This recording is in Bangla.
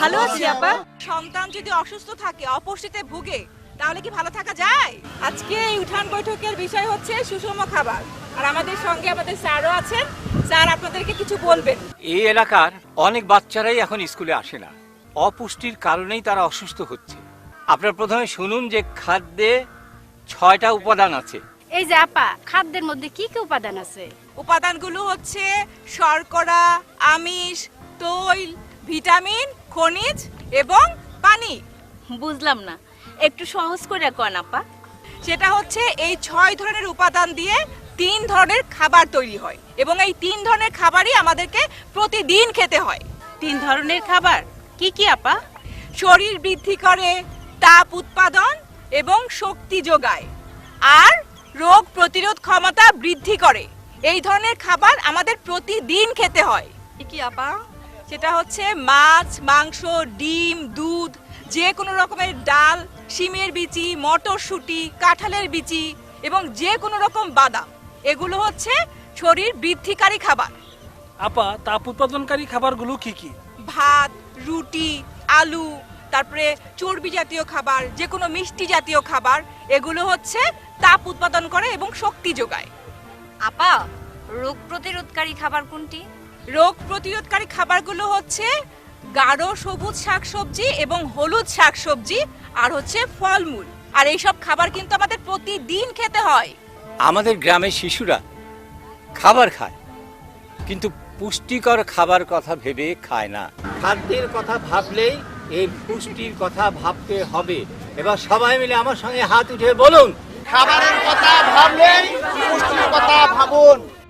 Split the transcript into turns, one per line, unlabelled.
ভালো আছি আপা।
সন্তান যদি অসুস্থ থাকে, অপুষ্টিতে ভুগে, তাহলে কি ভালো থাকা যায়? আজকে এই উঠান বৈঠকের বিষয় হচ্ছে সুষম খাবার। আর আমাদের সঙ্গে আমাদের স্যারও আছেন। স্যার আপনাদেরকে কিছু বলবেন।
এই এলাকার অনেক বাচ্চারাই এখন স্কুলে আসে না, অপুষ্টির কারণেই তারা অসুস্থ হচ্ছে। আপনারা প্রথমে শুনুন যে খাদ্যে 6টা উপাদান আছে।
এই যে আপা, খাদ্যের মধ্যে কি কি উপাদান আছে?
উপাদানগুলো হচ্ছে শর্করা, আমিষ, তৈল, ভিটামিন, খনিজ এবং পানি।
বুঝলাম না, একটু সহজ করে কোন আপা।
সেটা হচ্ছে এই 6 ধরনের উপাদান দিয়ে 3 ধরনের খাবার তৈরি হয় এবং এই 3 ধরনের খাবারই আমাদেরকে প্রতিদিন খেতে হয়।
3 ধরনের খাবার কি কি আপা?
শরীর বৃদ্ধি করে, তাপ উৎপাদন এবং শক্তি যোগায়, আর রোগ প্রতিরোধ ক্ষমতা বৃদ্ধি করে। এই ধরনের খাবার আমাদের প্রতিদিন খেতে হয়।
কি আপা?
সেটা হচ্ছে মাছ, মাংস, ডিম, দুধ, যে কোনো রকমের ডাল, শিমের বিচি, মটরশুঁটি, কাঁঠালের বিচি এবং যে কোনো রকম বাদাম। এগুলো হচ্ছে শরীর বৃদ্ধিকারী খাবার।
আপা, তাপ উৎপাদনকারী খাবারগুলো কি কি?
ভাত, রুটি, আলু, তারপরে চর্বি জাতীয় খাবার, যে কোনো মিষ্টি জাতীয় খাবার, এগুলো হচ্ছে তাপ উৎপাদন করে এবং শক্তি যোগায়।
আপা, রোগ প্রতিরোধকারী খাবার কোনটি?
রোগ প্রতিরোধকারী খাবারগুলো হচ্ছে গাঢ় সবুজ শাকসবজি এবং হলুদ শাকসবজি, আর হচ্ছে ফলমূল। আর এইসব খাবার কিন্তু আমাদের প্রতিদিন খেতে হয়।
আমাদের গ্রামের শিশুরা খাবার খায়, কিন্তু পুষ্টিকর খাবার কথা ভেবে খায় না। খাদ্যের কথা ভাবলেই এই পুষ্টির কথা ভাবতে হবে। এবার সবাই মিলে আমার সঙ্গে হাত উঠে বলুন,
খাবারের কথা ভাবলেই পুষ্টির কথা ভাবুন।